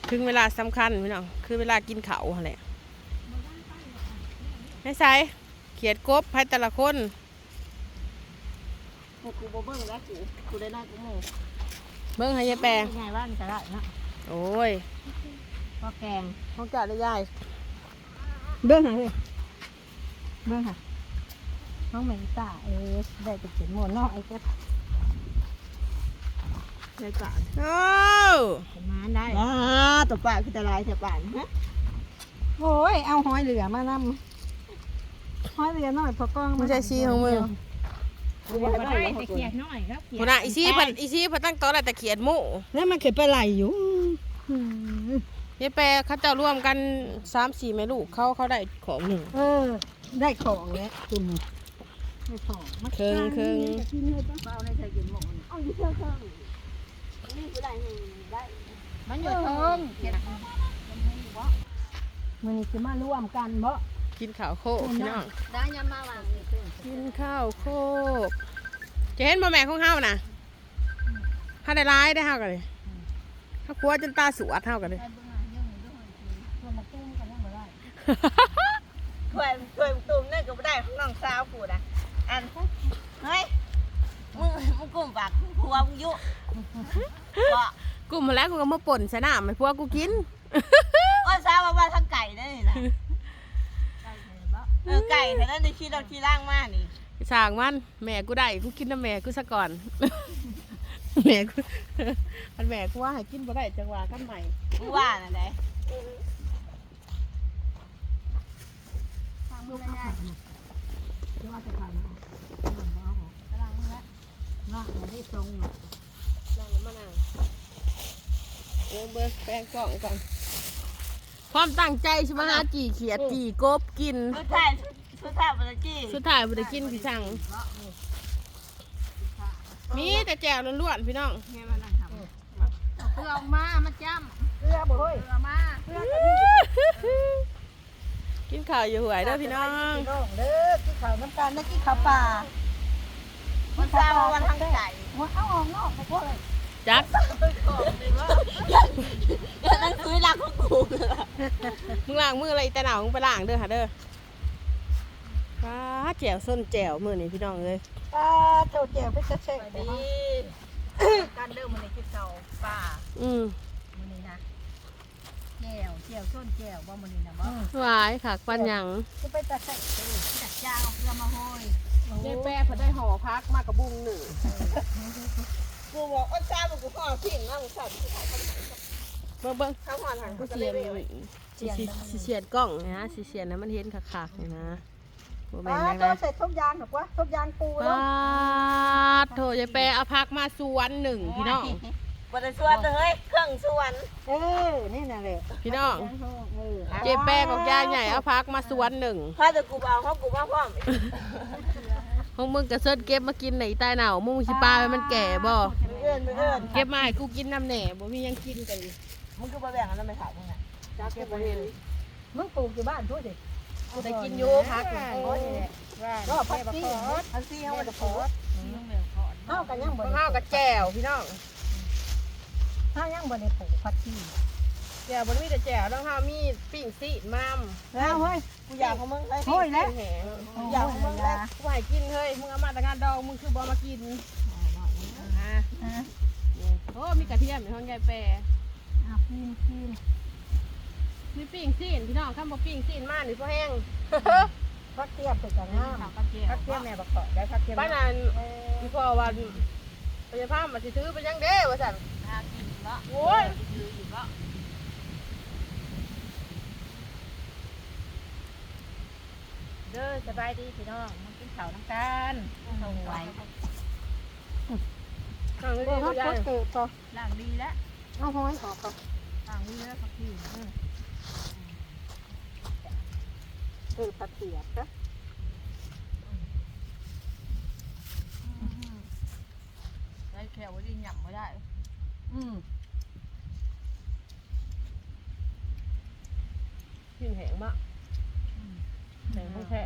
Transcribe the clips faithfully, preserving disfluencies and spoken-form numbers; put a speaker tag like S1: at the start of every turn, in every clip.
S1: ถึงเวลาสำคัญพี่น้องคือเวลากินข้าวแหละไม่ใช่เขียดกบให้แต่ละคน
S2: กูบ่เบิ่งแล้วกูกูได้น้อยกูโม่
S1: เบิ้งให้ยายแปร
S2: ไงว่ามันจะได้นะ
S1: โอ้ย
S2: พอแกง
S1: เขาจัดได้ยาย
S2: เบิ่งหาเลยเบิ่งหาน้องเหม็นตาเออได้ไปเขียนหมดนอกไอ้เจ้าได้ก่อน
S1: โอ้
S2: มาได้อ่าตัวป่าคือตะลายแต่ป่านฮะโอ้ยเอาหอยเหลือมานำหอยเหลือหน่อยพอกล้อง
S1: ไม่ใช่ซีของมือ
S2: ได้แต่เขียดน้อยครับ
S1: หัวหน้าอีซี่เพันอีซี่เพันตั้งโต๊ะอะไรแต่เขียดหมู
S2: แล้วมันเขียดปลาไหลอยู่
S1: ยายแปรเขาจะร่วมกันสามสี่แม่ลูกเขาเขาได้ของหนึ่ง
S2: เออได้ของแล้วคุณได้ของ
S1: เคิงเคิง
S2: ที่นี่ต้องเอาในใส่กินหมดเอาอยู่เคิงเคิงนี่คือได้ได้มันอยู่เคิงมันนี่คือมาร่วมกันเพราะ
S1: กินข้าวโคกพี่น้อง
S2: ได้ยามมาวาง
S1: กินข้าวโคกจะเห็นบ่แม่ของเฮานะถ้าได้ร้ายได้เฮากันเลยถ้าครัวจนตาสวดเฮากันเลย
S2: ถ้วยถ้วยตุ่มนี่ก็ไม่ได้ของน้องสาวกูนะอันเฮ้ยมึงมึงกลุ่มปากผัวมึงยุบ่
S1: กูมาแล้วกูก็มาป่นใส่น้ำให้พวกกูกิน
S2: ว่าสาวว่าทั้งไก่นั่นนี่นะเออไก่แต่นั่นในขี้เราขี้ล่างมากนี่
S1: สั่งมันแม่กูได้กูกินน้ำแม่กูซะก่อน แม่กูอันแม่กูว่าให้กินบ่ได้จังหวะกันใหม่
S2: มึงว่าน่ะไหนลูกง่ายๆว่าจะทำกำลังนี่แหละน่าจะได้ทรงเนาะ
S1: นั่งมานั่งเบิร์เบิร์แปลงกล่องก่อนความตั้งใจใช่ไหมฮะจีเขียดจีกบกิน
S2: สุดท้ายสุดท้ายมันจะจี้
S1: สุดท้ายบ่ได้กินพี่สั่งมีแต่แจ่วล้วนๆพี่น้อง
S2: เกลือออกมามาจ้ำเกลือบ่เฮ้ยเกลือมาเกลือ
S1: กินข้าวอยู่หวยเด้อพี่น้อง
S2: พี่น้องเด้อกินข้าวน้ำกันนะกินข้าวป่าวันเสาร์วันทางไก่ว่าเอาออกนอกไปพวกเลย
S1: จัก
S2: อย่านั่งคุยรักของกูเลย
S1: มึงล้างมืออะไรแต่หนาวมึงไปล้างเด้อค่ะเด้อว้าแจ่วส้นแจ่วมือนี่พี่น้องเลย
S2: ป้าเจ้าเจียวไปจะเช็คดีการเดิมมันในกินข้าวป่า
S1: อืม
S2: มันนี่นะแก้วแก้วส้นแก้วว่ามันนี่นะบ่
S1: หวายค่ะปันหยัง
S2: จะไปตัดใส่จัดจ้างเพื่อมาห้อย
S1: ได้แปรพอได้ห่อพักมากกับบุ้งหนึ่ง
S2: กูบอกอ้นจ้าบอกกูห่อสิ่งนะมึงสั่น
S1: เบิ้งเบิ้ง
S2: ข้าวห่อหัน
S1: กู
S2: กู
S1: เสียน
S2: เลย
S1: สิสิเสียนกล้องนะสิเสียนนะมันเห็นคักๆเลยนะบ่แม่
S2: ป้าน
S1: ยัง
S2: ตัว
S1: ไง
S2: ใส่ทุกยางหรอกวะทุกยางปู
S1: ป
S2: แล้ว
S1: าดโถยายแปรเอาพักมาสวนหนึ่งพี่น้อง
S2: บริส่วนเลยเครื่องส่วนเออนี่น่ะเลย
S1: พี่น้องเจแปรกับยายใหญ่เอาพักมาสวนหนึ่ง
S2: ถ้าจะกูเอาเขากูมาพร้อม
S1: พวกมึงกระเซิร์เก็บมากินไหนใต้หนาวมึงสิปลาให้มันแก่บ่
S2: เอื้อนเอื้อน
S1: เก็บมาให้กูกินน้ำแหน่บ่มียังกินกัน
S2: มึงก็มาแบ่งกันแล้วไม่ถ่ายมึงน่ะ
S1: จักเก็บบ่เห็น
S2: มึงปลูกอยู่บ้านพูดดิ
S1: กูได้กินอยู่พัก
S2: ก็พักซี่พักซี่เขาจะขอเข้ากันยังบ่
S1: ข้าวกับแจ่วพี่น้อง
S2: เข้ายังบ่ได้ปลูกพักซี่
S1: แจ่วบ่มีแต่แจ่วต้องข้าวมีปิ้งซีดมาม
S2: แล้วเฮ้ยกูอยากของมึงเฮ้ยแล้ว
S1: แหง
S2: อยากของมึงแล้ว
S1: กูให้กินเฮ้ยมึงเอามาแต่งานดองมึงคือบ่มากินโอ้มีกระเทียมในห้องยายแปร
S2: อ่ะกินกิน
S1: มีปิ้งซีนพี่น้องข้ามบ่ปิ้งซีนมาหนิพ่อแห้ง
S2: พักเทียบไปกันน้ำพักเทียบแม่บักเกาะได้พักเทียบ
S1: บ้านนั้นพี่พ่อวันพยาพามมาสิซื้อไปยังเด้ว่าสั่นโอ้ยเด้อสบายดีพี่น้องมากินข้าวน้ำกันเอาไว้ข้าวไม่
S2: เอ
S1: ดี
S2: อ
S1: เขา
S2: เขา
S1: ใหญ่
S2: เกิดต่อ
S3: ล่างดีแล้ว
S2: เอาห้อยออกก่อน
S3: ล่างดีแล้วพักที่
S2: เกิดพักเทียบนะ
S3: ได้แค่ว่าดีหยั่งไม่ได้
S2: อืม
S1: กินแห้งมากแห้งแท้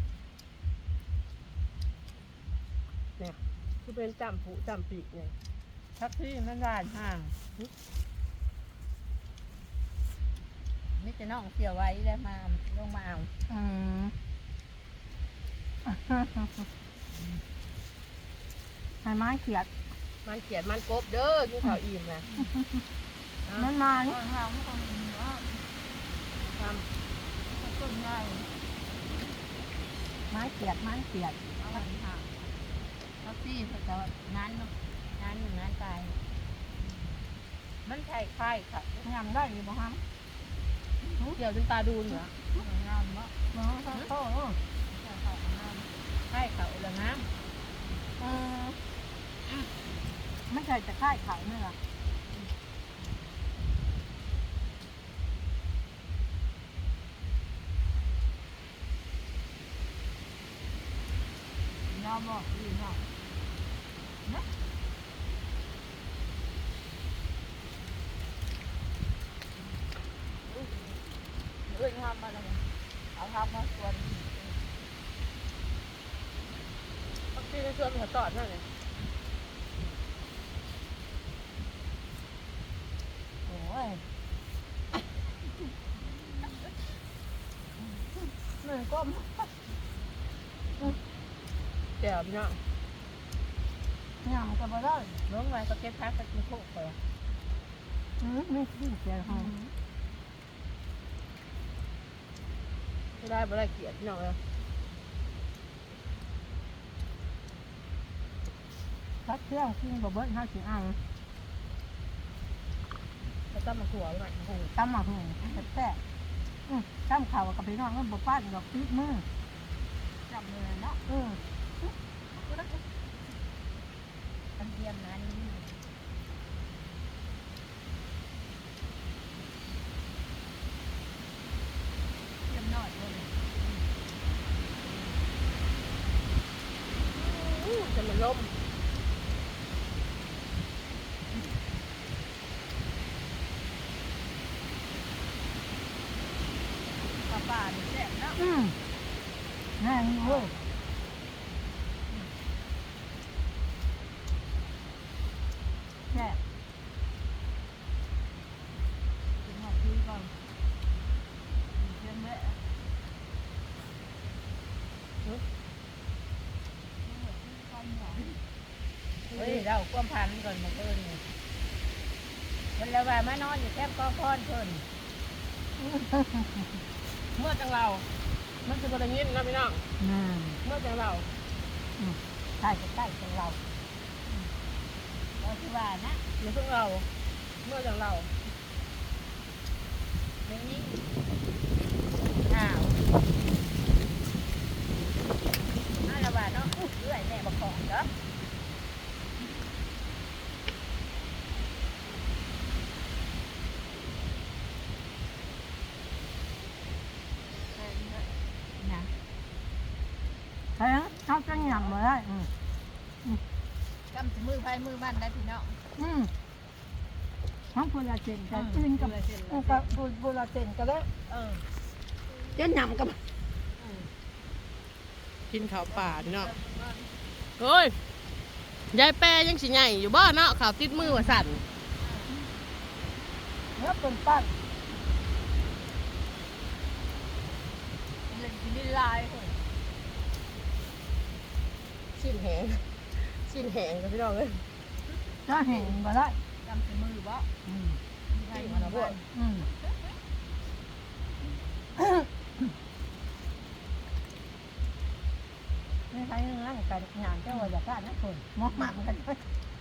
S1: เนี่ยคือเป็นจำผูจำปีกเนี่ย
S3: พักที่มันได้ห่างจะน้องเสียไว้แล้วมาลงมาเอา
S2: อืมให้ไม้เขียด
S1: มันเขียนมันกบเด้อกินข้าวอิ่มนะ
S2: มันมา
S3: ทางทางไม่ต้องมีว่า
S1: ท
S3: ต้นใหญ่
S2: ไม้เขียดไม้เขียด
S3: เอาไว้ทางเขาซี่เขาจะงานงานหนึ่งงานตายมันใช่ไข่ค่ะ
S2: ยำได้อยู่บ่ฮะ
S1: ำเกี่ยวจนตาดูนเหรอง
S3: ามมาก
S2: บ่ฮะโอ้โห
S3: ใช่เขางามไข่เขาละงาม
S2: เออไม่ใช่จะค่ายเขาเนี่ยหรอ
S3: ยอมบอกดีเนาะนะเอ้ยงามมาเลยเอาทำมาส่วน
S1: บางทีในส่วนหัวตอดนั่นเลย
S2: โอ้ยเหนื่อยก้ม
S1: แจ่วพี่น้อง
S2: ยำก็บ่ได้
S3: น้องไว้ก็เก็บพักก็กินโคกไป
S2: อืมไม่ขึ้นเสียห้อง
S1: ไม่ได้ไม่ได้เกลียดพี่น้องเลย
S2: พักเครื่องกินบ่เบิ้ลห้าสิบอัง
S1: แล้วก็มาขัวไว้หน่อยโอ้โห
S2: ตำหมักหนึ่งแซ่บอืมตั้มข่าวกับพี่น้องก็บ่ป้านดอกติดมือ
S3: จับมือเนาะ
S2: อืม
S3: อันเทียมนั้นเทียมน้อยเลย
S1: อู้จะมันล่ม
S3: ปลาป่าเนี่ยแซ่บเนาะ
S2: อืมแน่นี่เว้ยแซ่บ
S3: ถึงหอดทีก่อนเทียมแม่เฮ้ยเราความพันก่อนมาเพิ่นเนี่ยเพิ่นแล้วว่ามานอนอยู่แคบก้อนก้อนเพิ่น
S1: เมื่อจังเรามันจะบริเงินนะพี่น้อง
S2: นั่น
S1: เมื่อจังเรา
S2: ใช่ใกล้ๆของเรา
S3: เราคือว่านะ
S1: เมื่อเพิ่งเราเมื่อจังเรา
S3: เรื่องนี้อ้าวน่าละว่าเนาะเรื่อยแม่บอกของเด้อ นะ
S2: ใช่เขาจะหยั่งมาได้อืม
S3: กำสิมือไฟมือบ้านได้พี่น้อง
S2: อืมทั้งพูลาเจนกับอื่นกับกับพูลาเจนก็ได้
S3: เออ
S2: เจะหยั่งกับ
S1: กินข้าวป่าพี่น้องโอ้ยยายแปรยังสิใหญ่อยู่บ้านเนาะข่าวติดมือว่าสั่น
S2: เนื้อเป็นปั้น
S3: เล่นกินลายเฮ้ย
S1: ชิ้นแหงชิ้นแหงกับพี่น้องเลย
S2: จะเห็นมาได้
S3: กำสิมือบ่
S2: อืม
S3: ไฟมือบ้าน
S2: อืมไม่ใช่เรื่องการงานเจ้าว่าจะการนะคนมอกมันกันด้วย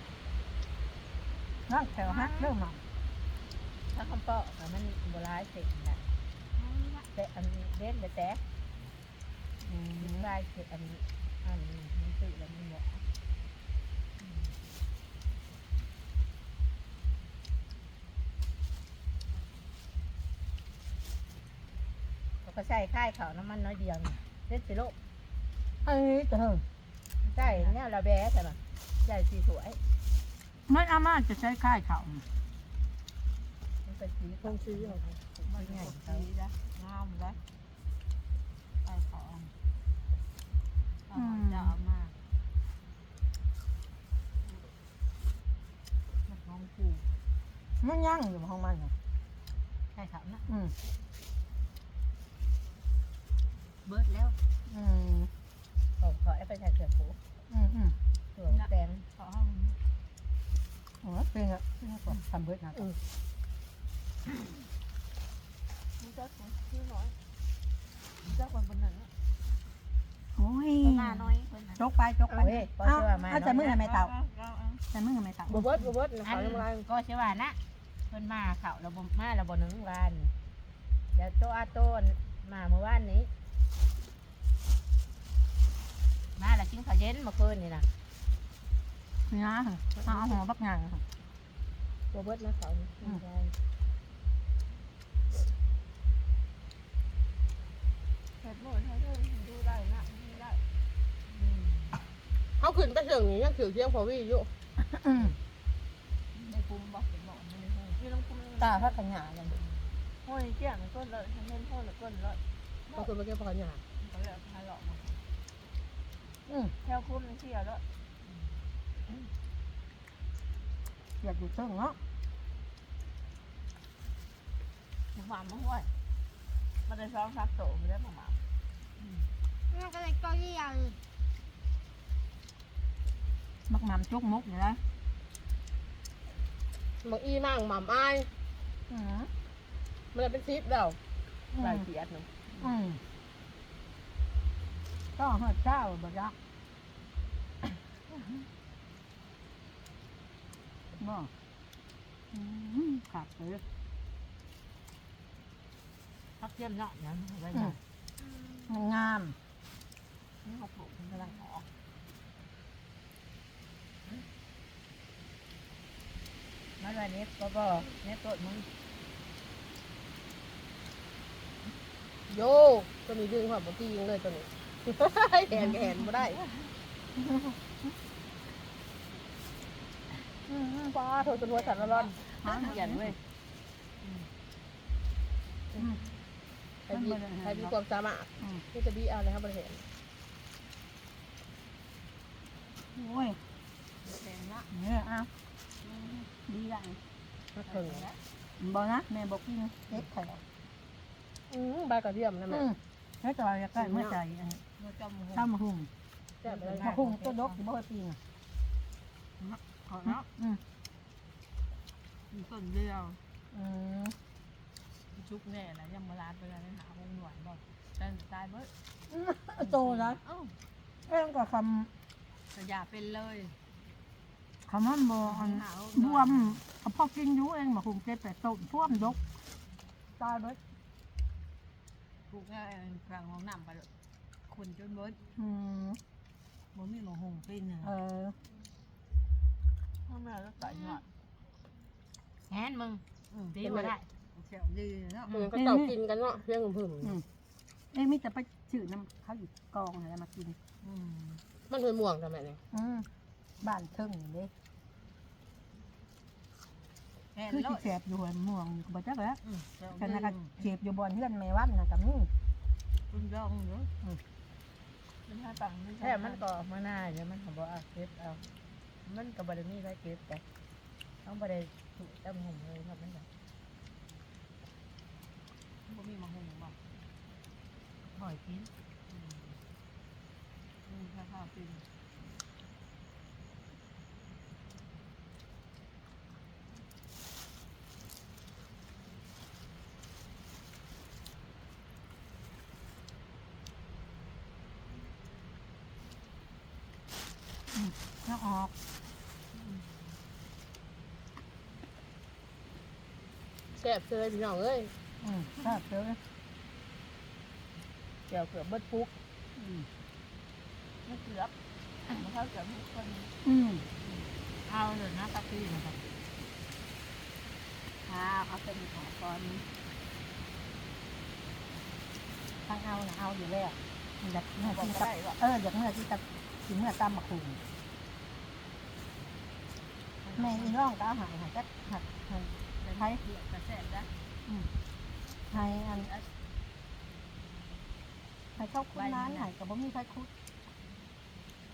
S2: นั่งแถวฮักเริ่มมา
S3: ถ้าคำเปาะอะมันโบราณเสร็จนะแต่อันนี้เด็ดเลยแต่
S2: อืม
S3: ลายเสร็จอันนี้อันนี้มันตื่นแล้วมันเหมาะเขาก็ใส่ค่ายเขาน้ำมันน้อยเดียวนี่เด็ดสิโลก
S2: ไอ้เถิง
S3: ใช่เนี่ยเราแบะใช่ปะใช่สีสวย
S2: มันอาม่าจะใช้ค่ายเขา
S3: มันเป็นสี
S1: ต้องซื้อเอา
S3: มันใหญ่เขาจ้ะงามเลยใส่เขาเอาจะเอามามันของกู
S2: มันย่างอยู่ของมันน่ะ
S3: ใคช่เขานะ
S2: อืม
S3: เบิดแล้ว
S2: อืม
S3: ขอขอไปใส่เกลือปู
S2: อืมอืม
S3: เกลือแตงขอห้อง
S2: โอ้เป็นอะเป็นอะก่อนทำเบิดนะ
S3: มันก็คือน้อยมันก็คนบนหนึ่ง
S2: โอ้ย
S3: หน้าน้อยคนนั้น
S2: จกไปจกไป
S3: เว้ยก็
S2: เอา
S3: เชื่อมา
S2: เอาจะมือทำไมเต่าจะมือทำไมเต่า
S1: บ่เบิดบ่เบิด
S3: อั
S1: เขา
S3: น
S1: ยังไง
S3: ก็เชื่อว่านะเพิ่นมาเขาเราบ่มาเราบ่หนึ่งวันเดี๋ยวโตอาโต้มาเมื่อวานนี้มาแล้วกินข้าวเย็นเมื่อคืนนี่นะ
S2: นี่นะเอาเอาหัวบักงานค่ะ
S1: บ่เบิดนะเขา
S3: เฮ็ดหมดให้ดูได้นะดูได้
S1: เขาขึ้นไปเสียงนี้ยังถือเสียงพอวี่อยู่
S2: อืม
S3: ในกลุ่มบอกเป็นหมอนนี่ให้นี่ต้องกลุ่ม
S2: ตาพักขยากัน
S3: โอ้ยเจ้ามันก้นเลยทำเล่นพ่อหรือก้นเลย
S1: เขาขึ้นไปเก็บผักหญ้า
S3: เขาเลยพาหลอกมา
S2: อืม
S3: แถวคุ้มเที่ยวแล้ว
S2: อยากอยู่เชิงเนาะ
S3: หมามาห้วยมันได้ซ้อมซักโตไม่ได้หมา
S4: นี่ก็เลยก็เรียง
S2: บักหมามจกมกอยู่แล้ว
S1: บางอีนั่งหม่ำอ้าย
S2: อืม
S1: มันเลยเป็นซิปแล้ว
S2: อืม
S1: หลายเสียดหนึง
S2: อืมก็เฮิดเจ้าบ่ยักบ่อืมขาดเลย
S3: พักเยี่ยมเนาะเนี่ยไว้
S2: อื
S3: เนาะ
S2: มมันงาม
S3: นี่เขาปลูกมันกำลังออกมาวันนี้ก็บอกเนี่ยต้นมึง
S1: โยตัวนี้ดึงหัวบ่ตียิงเลยตัวนี้ แหนก็แหนบ่ได้อืมป้าโทรจนหัวสั่นร้อน
S3: หาเขียนเว้ย
S2: อืม
S1: ใครมีใครมีความสามารถ
S2: อืม
S1: ที่จะดีเอาเลยครับบริเห็น
S2: โอ้ย
S3: แตงละ
S2: เนี่ยเอาดีละ
S1: มาถึง
S2: บ่นะแม่บอกกินเล็กแถว
S1: อืมใบกระเทียมนะแม่
S2: อืมแล้วจอยใกล้เมื่อใจอันนี้
S3: มันจำหัว
S2: ข้าวมาหุ่ง
S1: แซ่บเลย
S2: มาหุ่งตัวดกอยู่บ่ปีน่ะ
S3: ขอเนาะ
S2: อืม
S3: มีต้นเดียว
S2: อืม
S3: ชุกแน่นะยังมาลาดไปแล้วหาหงหน่วยบอกแต่ตายเบิด
S2: โตแล้ว
S3: เอ้า
S2: เอ้ยก็ค
S3: แต่อย่าเป็นเลย
S2: ำคำว่าบ่อันบวมเอาพอกินอยู่เองมาหุ่งเจ็บแต่ต้มท่วมดกตายเบิด
S3: ปลูกง่ายกลางห้องน้ำไปเลยคนจนเบิด
S2: อืม
S3: มันมีหมอหงปีนหนึ่ง
S2: เออ
S3: ทำไมแล้วใส่หยอดแฮนมึงดีมาได้เสียวดีเนาะ
S1: เหมือนก็เต่ากินกันเนาะเพียงหึ่ม
S2: อืมเอ้ยมิจะไปจืดน้ำเขาอยู่กองอะไรมากิน
S3: อืม
S1: ๆมันเป็นม่วงทำไมเนี่ย
S2: อืมบ้านเทิงนี่เด้
S3: แฮน
S2: คือ
S3: แล้
S2: สิ
S3: ว
S2: แสบอยู่หัวม่วงก็บ่จักแล้ว
S3: เสียว
S2: กัน
S3: ดี
S2: นะก็เจ็บอยู่บนเฮือนแม่วัดน่ะก็มี
S3: คุณยองเนาะมันให้ตังค์แค่มันก็มาหน้าเดี๋ยวมันเขาบอกอ่ะเก็บเอามันกับบารมีได้เก็บแต่ต้องบารถูกจำหุ่มเลยครับนั่นแหละบ่มีมาหุ่มบ่หอยกินอืมอืมข้าวกิน
S2: น้าออก
S1: แซ่บเลยพี่น้องเอ้ย
S2: อืมทราบเจอ
S3: เดี๋ยวเกือบเบิดปุ๊ก
S2: อืม
S3: ไม่เกือบมันเข้าเกือบทุกคน
S2: อืม
S3: เอาเลยนะตักซี่นะครับค่ะเอาเป็นของก่อน
S2: ทางเอาน่ะเอาอยู่แล้วอยากเมื่อ
S3: บอก
S2: ที่
S3: ก็
S2: ตับ
S3: ได้ว่า
S2: เอออยากเมื่อที่ตับถึงเมื่อตามมาคุงแม่อีน้องก็เอาใหายหายจักหักให้
S3: เป็นไทยเผือกกระแสบนะ
S2: ให้อันให้เข้าคุ้นร้านใหายกับบ่มีใครคุ้น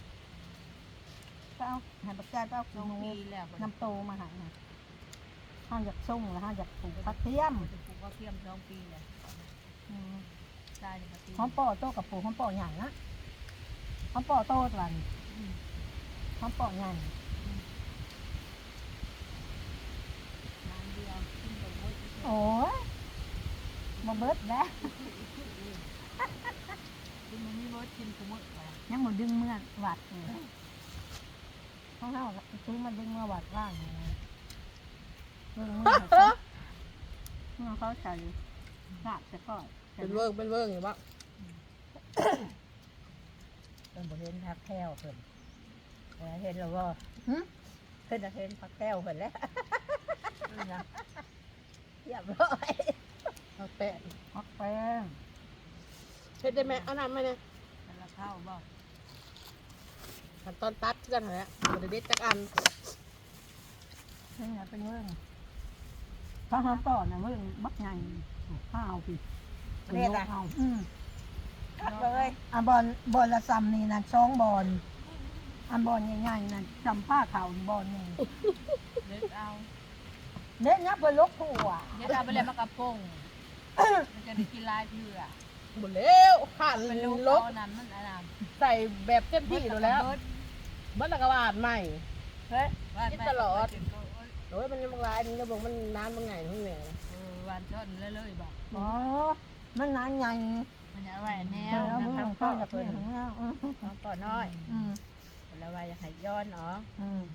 S2: ก็เอาใหายปัจจัยก็เอา
S3: ลง
S2: หนู
S3: ปีแล้ว
S2: น้ำโตมาใหายให้ห้าอยากส่งแล้วห้าอยากปลูกผักเทียม
S3: จะปลูกว่าเทียมสองปีเลย
S2: อืม
S3: ใช่เลยปี
S2: หอมปอโตกับปลูกหอมปอใหญ่นะหอมปอโตตัวนี้หอมปอใหญ่
S3: น้ำเดียวขึ้นไปหมด
S2: โอ้ยมาเบิดแล้ว
S3: กินมันไม่หมดกินกูหมดไป
S2: ยังหมดดึงเมื่อวัดเลยข้างเท้าซื้อมาดึงเมื่อวัดว่างเลยดึงเมื่อเขาเมื่อเขาใส่กาดจะก่อน
S1: เป็นเวิร์กเป็นเวิร์กอยู่บ้าง
S3: เป็นบริเวณพักแก้วเพิ่นเออเห็นแล้วว่า
S2: หึ
S3: เพิ่นจะเห็นพักแก้วเพิ่นแล้วนะเรียบร้อย
S1: เอาแปะ
S2: พักแป้ง
S1: เฮ็ดได้ไหมเอาน้ำไหมเนี่ย
S3: มันละเข้าบ่
S1: ขั้นตอนตัดกันแหละบ่ได้เด็ดจักอัน
S2: นี่เป็นเมื่องถ้าหอมปอนะเมื่องบักใหญ่ข้าวพี่เอาอืม
S3: คัดเลย
S2: อันบอลบอลละซ้ำนี่นะสองบอลอันบอลใหญ่ๆนั่นจำผ้าขาวบอลหนึ่ง
S3: เด็ดเอา
S2: เน้นนับเป็นลกผัว
S3: เด็ดเอาไปเลยมากระพงมันจะได้กินลายเพื่อ
S1: หมดแล้วขัน
S3: เป็นลูก
S1: ลก
S3: เอานั้นมันอะไร
S1: ใส่แบบเต็มที่อยู่แล้วมันละกบาดใหม่
S3: เฮ้ย
S1: กินตลอด โอ้ยมันยังบางรายมันจะบอกมันนานบางไงทั้งเนี่ย
S3: เออวันต้นเรื่อยๆบอก
S2: อ๋อมันนานใหญ่
S3: มันจะไหวแน
S2: แล้ว ว
S3: นะ
S2: มึง
S3: ทำ
S2: ก็
S3: ข้าว
S2: อยาก
S3: เพิ่
S2: เล่
S3: น
S2: นของเราอืม
S3: เอาก่อนน้อย
S2: อืม
S3: แล้วว่าอยากให้ย้อนเนาะ
S2: อืม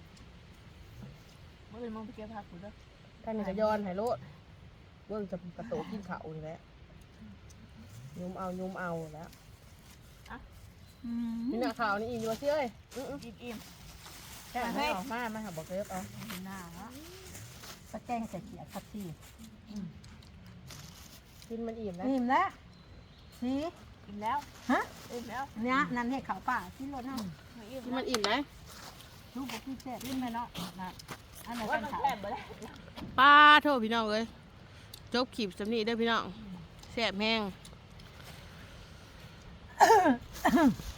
S3: เมื่อเป็นมึงไปเก็บผักกูด้วย
S1: ท่านนี่ก็ย้อนให้โลดเบิ่งจะกระโตกกินเขานี่แหละยุมเอายุมเอาแล้ว
S2: อืม
S1: นี่หน้าขาวนี่อีกอยู่ว่าเชื่อเอ้ยอื้อ
S3: อิ่มอิ่ม
S1: ๆแค่ให้ออกมามันหาบอกเก็บเอา
S3: หน้าละ
S2: ตะแกงใส่เขียดผักชี
S1: กินมันอิ่มแล้ว
S2: นิ่มแล้วสี
S3: อิ่มแล้ว
S2: ฮะ
S3: อิ่มแล้ว
S2: เนี้ยนั่นให้เขาป่าที่รถนั่ง
S3: อิ่ม
S1: กินมันอิ่มไหม
S2: ลูกบอกพี่เจ็บ
S3: อิ่มไปเนาะนะอันไหน
S2: ว่า
S3: กัน
S2: มัน
S3: ขาว
S2: แสบไปแล้ว
S1: ป้าโทษพี่น้องเลยจบขีบสำนีเด้อพี่น้องแสบแห้ง